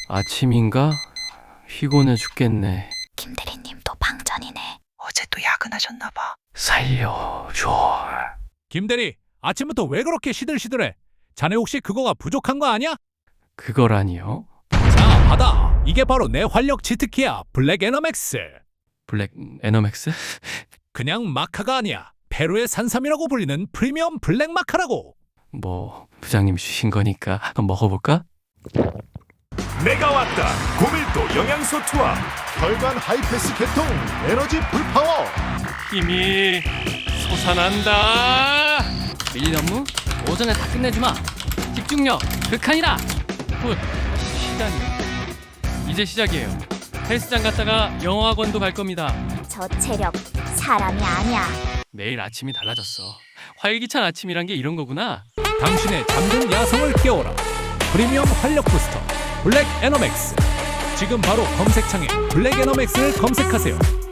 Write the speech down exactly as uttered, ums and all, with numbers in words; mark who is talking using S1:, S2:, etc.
S1: 아침인가? 피곤해 죽겠네.
S2: 김대리님도 방전이네.
S3: 어제도 야근하셨나봐.
S1: 살려줘.
S4: 김대리, 아침부터 왜 그렇게 시들시들해? 자네 혹시 그거가 부족한 거 아니야?
S1: 그거라니요?
S4: 자, 받아. 이게 바로 내 활력 치트키야, 블랙 에너맥스.
S1: 블랙 에너맥스?
S4: 그냥 마카가 아니야. 페루의 산삼이라고 불리는 프리미엄 블랙 마카라고.
S1: 뭐 부장님 주신 거니까 한번 먹어볼까?
S5: 내가 왔다. 고밀도 영양소 투합.
S6: 혈관 하이패스 개통 에너지 풀파워.
S1: 힘이 솟아난다. 밀린 업무 오전에 다 끝내주마. 집중력 극한이라. 굿. 시간이 이제 시작이에요. 헬스장 갔다가 영어학원도 갈 겁니다.
S2: 저 체력 사람이 아니야.
S1: 매일 아침이 달라졌어. 활기찬 아침이란 게 이런 거구나.
S4: 당신의 잠든 야성을 깨워라. 프리미엄 활력 부스터 블랙 에너맥스. 지금 바로 검색창에 블랙 에너맥스를 검색하세요.